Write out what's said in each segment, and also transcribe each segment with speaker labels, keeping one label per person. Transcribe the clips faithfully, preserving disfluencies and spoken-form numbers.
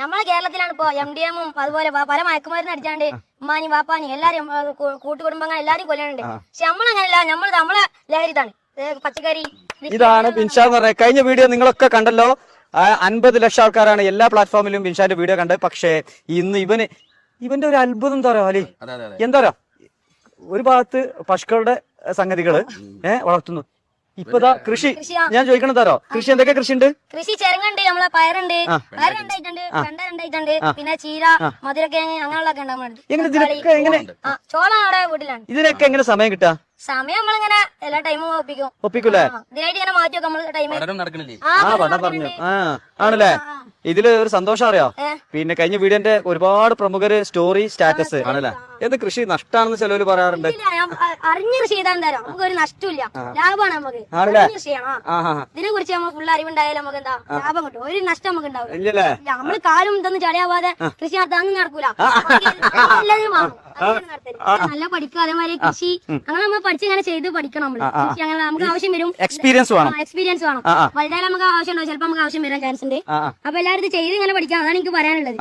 Speaker 1: നമ്മളെ കേരളത്തിലാണ് ഇപ്പൊ എം ഡി എമ്മും അതുപോലെ പല മയക്കുമരുന്ന് അടിച്ചാണ്ട് ഉമ്മാനി വാപ്പാനി എല്ലാരും കൂട്ടുകുടുംബങ്ങൾ എല്ലാരും കൊല്ലുന്നുണ്ട്. പക്ഷെ നമ്മളങ്ങനെയല്ല, നമ്മൾ നമ്മളെ ലഹരിതാണ് പച്ചക്കറി.
Speaker 2: ഇതാണ് ബിൻഷാ എന്ന് പറയുന്നത്. കഴിഞ്ഞ വീഡിയോ നിങ്ങളൊക്കെ കണ്ടല്ലോ, അൻപത് ലക്ഷം ആൾക്കാരാണ് എല്ലാ പ്ലാറ്റ്ഫോമിലും ബിൻഷാന്റെ വീഡിയോ കണ്ടത്. പക്ഷേ ഇന്ന് ഇവന് ഇവന്റെ ഒരു അത്ഭുതം എന്താ പറയാ അലി, എന്താ പറയാ, ഒരു ഭാഗത്ത് പശുക്കളുടെ സംഗതികള് ഏഹ് വളർത്തുന്നു, ഇപ്പതാ കൃഷി. ഞാൻ ചോദിക്കണം തരോ, കൃഷി എന്തൊക്കെ കൃഷി ഉണ്ട്?
Speaker 1: കൃഷി ചെറുങ്ങുണ്ട്, നമ്മളെ പയറുണ്ട്, പയർ രണ്ടായിട്ടുണ്ട്, വെണ്ട രണ്ടായിട്ടുണ്ട്, പിന്നെ ചീര, മധുരക്കിഴങ്ങ് അങ്ങനെയുള്ളതൊക്കെ ഉണ്ടാകുന്നുണ്ട്. ചോളം അവിടെ വീട്ടിലാണ്.
Speaker 2: ഇതിനൊക്കെ എങ്ങനെ സമയം കിട്ടാ?
Speaker 1: സമയം നമ്മളിങ്ങനെ എല്ലാ ടൈമും ഒപ്പിക്കും.
Speaker 2: ഒപ്പിക്കൂലേ?
Speaker 1: ഇതിനായിട്ട് ഇങ്ങനെ മാറ്റി വെക്കും നമ്മള് ടൈം.
Speaker 2: ആ പടം പറഞ്ഞു. ആ ആണല്ലേ. ഇതില് ഒരു സന്തോഷം അറിയോ, പിന്നെ കഴിഞ്ഞ വീഡിയോന്റെ ഒരുപാട് പ്രമുഖര് സ്റ്റോറി സ്റ്റാറ്റസ് ആണല്ലേ. ഏത് കൃഷി നഷ്ടാണെന്ന് ചിലവര് പറയാറുണ്ട്.
Speaker 1: അറിഞ്ഞ കൃഷി ചെയ്താൽ തരാം, നമുക്ക് ഒരു നഷ്ടമില്ല, ലാഭമാണ് നമുക്ക്. ഇതിനെ കുറിച്ച് നമ്മൾ ഫുൾ അറിവുണ്ടായാലും നമുക്ക് എന്താ ലാഭം കിട്ടും, ഒരു നഷ്ടം നമുക്ക് ഉണ്ടാവില്ല. നമ്മള് കാലും ഇതൊന്നും ചടയാവാതെ കൃഷി നടത്താൻ നടക്കൂല. എല്ലാവരും നല്ല പഠിക്കുക, അതേമാതിരി കൃഷി അങ്ങനെ നമ്മൾ പഠിച്ചിങ്ങനെ ചെയ്ത് പഠിക്കണം. നമ്മള് കൃഷി അങ്ങനെ നമുക്ക് ആവശ്യം വരും, എക്സ്പീരിയൻസ് വേണം. എക്സ്പീരിയൻസ് വേണം വലുതായാലും നമുക്ക് ആവശ്യം ഉണ്ടാവും, ചിലപ്പോ നമുക്ക് ആവശ്യം വരാൻ ചാൻസ് ഉണ്ട്. അപ്പൊ എല്ലാവരും ഇത് ചെയ്ത് ഇങ്ങനെ പഠിക്കാം, അതാണ് എനിക്ക് പറയാനുള്ളത്.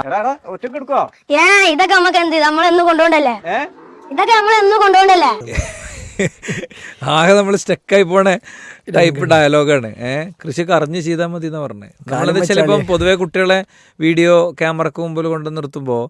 Speaker 1: ഏ ഇതൊക്കെ നമുക്ക് എന്ത് നമ്മളെന്ന് കൊണ്ടുപോകണ്ടല്ലേ, ഇതൊക്കെ നമ്മളെന്ന് കൊണ്ടുപോകണ്ടല്ലേ.
Speaker 3: ആകെ നമ്മൾ സ്റ്റക്കായി പോണ ടൈപ്പ് ഡയലോഗാണ്. ഏഹ് കൃഷിയൊക്കെ അറിഞ്ഞ് ചെയ്താൽ മതി എന്ന് പറഞ്ഞത്. നമ്മളത് ചിലപ്പം പൊതുവെ കുട്ടികളെ വീഡിയോ ക്യാമറക്ക് മുമ്പിൽ കൊണ്ട് നിർത്തുമ്പോൾ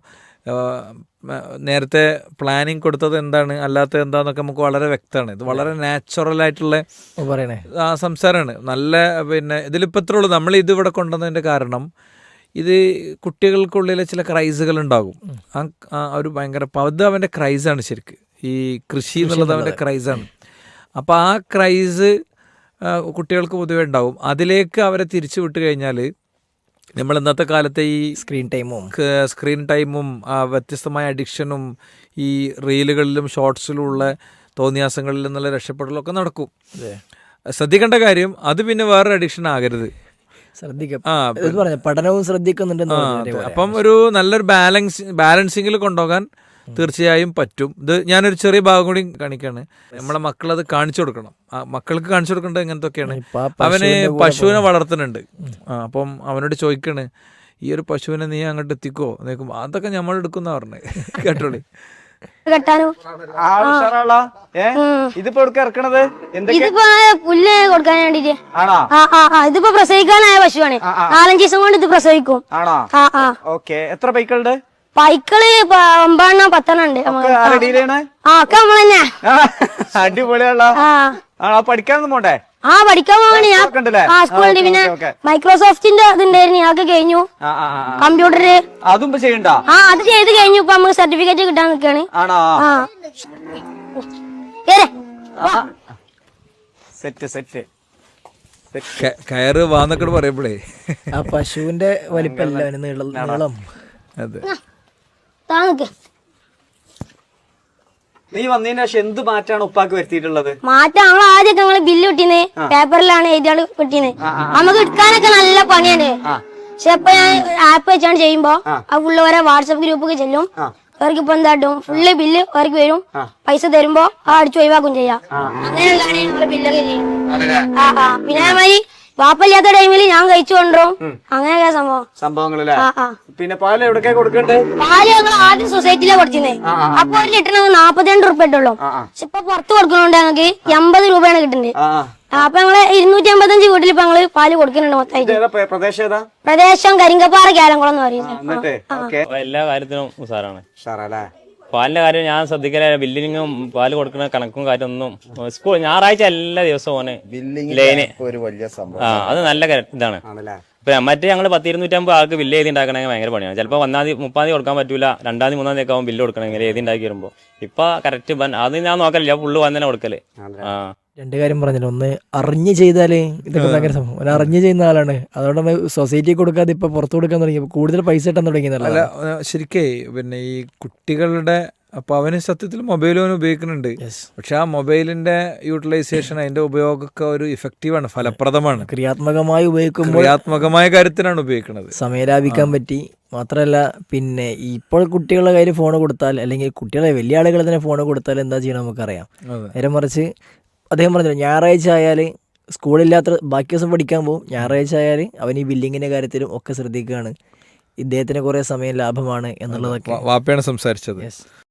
Speaker 3: നേരത്തെ പ്ലാനിങ് കൊടുത്തത് എന്താണ് അല്ലാത്തത് എന്താന്നൊക്കെ നമുക്ക് വളരെ വ്യക്തമാണ്. ഇത് വളരെ നാച്ചുറൽ ആയിട്ടുള്ള പറയണേ ആ സംസാരമാണ്. നല്ല പിന്നെ ഇതിലിപ്പോൾ ഇത്രേ ഉള്ളൂ. നമ്മൾ ഇത് ഇവിടെ കൊണ്ടുവന്നതിൻ്റെ കാരണം ഇത് കുട്ടികൾക്കുള്ളിലെ ചില ക്രൈസുകൾ ഉണ്ടാകും. ആ ഒരു ഭയങ്കര അത് അവൻ്റെ ക്രൈസാണ് ശരിക്ക്. ഈ കൃഷി എന്നുള്ളത് അവൻ്റെ ക്രൈസാണ്. അപ്പോൾ ആ ക്രൈസ് കുട്ടികൾക്ക് പൊതുവേ ഉണ്ടാവും. അതിലേക്ക് അവരെ തിരിച്ചു വിട്ട് കഴിഞ്ഞാൽ നമ്മൾ ഇന്നത്തെ കാലത്തെ ഈ സ്ക്രീൻ ടൈമും സ്ക്രീൻ ടൈമും വ്യത്യസ്തമായ അഡിക്ഷനും ഈ റീലുകളിലും ഷോർട്സിലും ഉള്ള തോന്നിയാസങ്ങളിൽ നിന്നുള്ള രക്ഷപ്പെടലൊക്കെ നടക്കും. ശ്രദ്ധിക്കേണ്ട കാര്യം അത് പിന്നെ വേറൊരു അഡിക്ഷൻ ആകരുത്.
Speaker 4: ശ്രദ്ധിക്കാം. ആ പഠനവും ശ്രദ്ധിക്കുന്നുണ്ട്.
Speaker 3: അപ്പം ഒരു നല്ലൊരു ബാലൻസ് ബാലൻസിങ്ങിൽ കൊണ്ടുപോകാൻ തീർച്ചയായും പറ്റും. ഇത് ഞാനൊരു ചെറിയ ഭാഗം കൂടി കാണിക്കാണ്. നമ്മളെ മക്കളത് കാണിച്ചു കൊടുക്കണം. മക്കൾക്ക് കാണിച്ചു കൊടുക്കേണ്ടത് എങ്ങനത്തൊക്കെയാണ്. അവന് പശുവിനെ വളർത്തുന്നുണ്ട്. ആ അപ്പം അവനോട് ചോദിക്കണ്, ഈ ഒരു പശുവിനെ നീ അങ്ങോട്ട് എത്തിക്കോ നോക്കുമ്പോ അതൊക്കെ നമ്മൾ എടുക്കുന്ന പറഞ്ഞത് കേട്ടോളി.
Speaker 2: ഇതിപ്പോ ഇറക്കണത്
Speaker 1: ഇതിപ്പോ പുല്ല് കൊടുക്കാൻ വേണ്ടിട്ട്. ഇതിപ്പോ പ്രസവിക്കാനായ പശുവാണ്. നാലഞ്ച് ദിവസം കൊണ്ട് ഇത് പ്രസവിക്കും.
Speaker 2: എത്ര പൈക്കളുണ്ട്?
Speaker 1: പൈക്കള് ഒമ്പതെണ്ണം പത്തെണ്ണം ഉണ്ട്. ആ ഒക്കെ നമ്മൾ തന്നെ.
Speaker 2: അടിപൊളിയുള്ള പഠിക്കാനൊന്നും പോണ്ടേ?
Speaker 1: ആ പഠിക്കാൻ പോവാണ് ഞാൻ. ആ സ്കൂളിൽ പിന്നെ മൈക്രോസോഫ്റ്റിന്റെ ഇതുണ്ടായിരുന്നു, അതൊക്കെ കഴിഞ്ഞു. കമ്പ്യൂട്ടറ്
Speaker 2: അതും ചെയ്യണ്ട.
Speaker 1: ആ അത് ചെയ്ത് കഴിഞ്ഞു. ഇപ്പൊ നമുക്ക് സർട്ടിഫിക്കറ്റ് കിട്ടാൻ നിൽക്കാണ്.
Speaker 2: സെറ്റ് സെറ്റ്
Speaker 3: കയറ് വാന്നൊക്കെ പറയുമ്പോഴേ
Speaker 4: ആ പശുവിന്റെ വലിപ്പല്ല നീളം.
Speaker 3: അതെ.
Speaker 2: നീ വന്നതിന് ശേഷം എന്ത് മാറ്റാണ് ഉപ്പാക്ക് വരുത്തിയിട്ടുള്ളത്?
Speaker 1: മാറ്റം നമ്മൾ ആദ്യമൊക്കെ നമ്മള് ബില്ല് കിട്ടീന്ന് പേപ്പറിലാണ് എഴുതിയാണ് കിട്ടീന്ന്. നമുക്ക് എടുക്കാനൊക്കെ നല്ല പണിയാണ്. പക്ഷെ ഇപ്പൊ ഞാൻ ആപ്പ് വെച്ചാണ് ചെയ്യുമ്പോ ആ ഫുള്ള് ഓരോ വാട്സപ്പ് ഗ്രൂപ്പൊക്കെ ചെല്ലും. അവർക്ക് ഇപ്പൊ എന്താട്ടും ഫുള്ള് ബില്ല് അവർക്ക് വരും. പൈസ തരുമ്പോ ആ അടിച്ചു ഒഴിവാക്കും ചെയ്യാം. അങ്ങനെയുള്ളതാണ് നമ്മള് ബില്ലൊക്കെ ചെയ്യും. ആ ആ പിന്നെ അതേമാതിരി വാപ്പല്ലാത്ത ടൈമില് ഞാൻ കഴിച്ചു കൊണ്ടും അങ്ങനെയൊക്കെ സംഭവം
Speaker 2: സംഭവങ്ങളിലെ. പിന്നെ പാല് എവിടേക്കാ കൊടുക്കണ്ടേ?
Speaker 1: പാല് ഞങ്ങൾ ആദ്യം സൊസൈറ്റിയിലെ കൊടുത്തിരുന്നേ. അപ്പൊ ഒരു ലിറ്ററിന് നാപ്പത്തിരണ്ട് റുപ്യ ഇട്ടുള്ളൂ. പക്ഷെ ഇപ്പൊ പുറത്ത് കൊടുക്കണോണ്ട് ഞങ്ങൾക്ക് എൺപത് രൂപയാണ് കിട്ടുന്നത്. അപ്പൊ ഞങ്ങള് ഇരുന്നൂറ്റി അമ്പത്തഞ്ച് വീട്ടിൽ ഇപ്പൊ ഞങ്ങള് പാല് കൊടുക്കുന്നുണ്ട് മൊത്തമായിട്ട്. പ്രദേശം കരിങ്കപ്പാറ കേലംകുളം എന്ന് പറയുന്നത്.
Speaker 5: എല്ലാ കാര്യത്തിനും ഉസാറാണ്. പാലിന്റെ കാര്യം ഞാൻ ശ്രദ്ധിക്കല. ബില്ലിങ്ങും പാല് കൊടുക്കുന്ന കണക്കും കാര്യമൊന്നും സ്കൂൾ ഞായറാഴ്ച എല്ലാ ദിവസവും ലൈന് ആ അത് നല്ല ഇതാണ്. ഇപ്പൊ മറ്റേ ഞങ്ങള് പത്ത് ഇരുന്നൂറ്റമ്പത് ആൾക്ക് ബില്ല് എഴുതി ഉണ്ടാക്കണമെങ്കിൽ ഭയങ്കര പണിയാണ്. ചിലപ്പോൾ ഒന്നാം തീയതി മുപ്പാം തീയതി കൊടുക്കാൻ പറ്റൂല, രണ്ടാം തീയതി മൂന്നാം തീയതി ആകുമ്പോൾ ബില്ല് കൊടുക്കണമെങ്കിൽ എഴുതി ഉണ്ടാക്കി വരുമ്പോ ഇപ്പൊ കറക്റ്റ് അത് ഞാൻ നോക്കലില്ല, ഫുള്ള് വന്ന് തന്നെ കൊടുക്കല്. ആ
Speaker 4: രണ്ട് കാര്യം പറഞ്ഞല്ലോ, ഒന്ന് അറിഞ്ഞ് ചെയ്താല് ഇതൊക്കെ ഭയങ്കര സംഭവം. ഒരു അറിഞ്ഞ് ചെയ്യുന്ന ആളാണ്, അതുകൊണ്ട് സൊസൈറ്റി കൊടുക്കാതെ ഇപ്പൊ പുറത്തു കൊടുക്കാൻ തുടങ്ങി, കൂടുതൽ പൈസ കിട്ടാൻ തുടങ്ങിയതല്ല.
Speaker 3: ശരിക്കേ പിന്നെ ഈ കുട്ടികളുടെ അപ്പോൾ അവന് സത്യത്തിൽ മൊബൈലും അവന് ഉപയോഗിക്കുന്നുണ്ട്. പക്ഷെ ആ മൊബൈലിന്റെ യൂട്ടിലൈസേഷൻ അതിന്റെ ഉപയോഗമൊക്കെ ഒരു ഇഫക്റ്റീവാണ്, ഫലപ്രദമാണ്.
Speaker 4: ക്രിയാത്മകമായി ഉപയോഗിക്കുമ്പോൾ
Speaker 3: ക്രിയാത്മകമായ കാര്യത്തിനാണ് ഉപയോഗിക്കുന്നത്.
Speaker 4: സമയം ലാഭിക്കാൻ പറ്റി. മാത്രമല്ല പിന്നെ ഇപ്പോൾ കുട്ടികളുടെ കയ്യിൽ ഫോൺ കൊടുത്താൽ, അല്ലെങ്കിൽ കുട്ടികളെ വലിയ ആളുകൾ തന്നെ ഫോൺ കൊടുത്താൽ എന്താ ചെയ്യണം നമുക്കറിയാം. നേരെ മറിച്ച് അദ്ദേഹം പറഞ്ഞില്ല, ഞായറാഴ്ച ആയാൽ സ്കൂളില്ലാത്ത ബാക്കി ദിവസം പഠിക്കാൻ പോകും, ഞായറാഴ്ച ആയാൽ അവൻ ഈ ബില്ലിങ്ങിൻ്റെ കാര്യത്തിലും ഒക്കെ ശ്രദ്ധിക്കുകയാണ്. ഇദ്ദേഹത്തിന് കുറേ സമയം ലാഭമാണ് എന്നുള്ളതൊക്കെ
Speaker 3: വാപ്പയാണ് സംസാരിച്ചത്.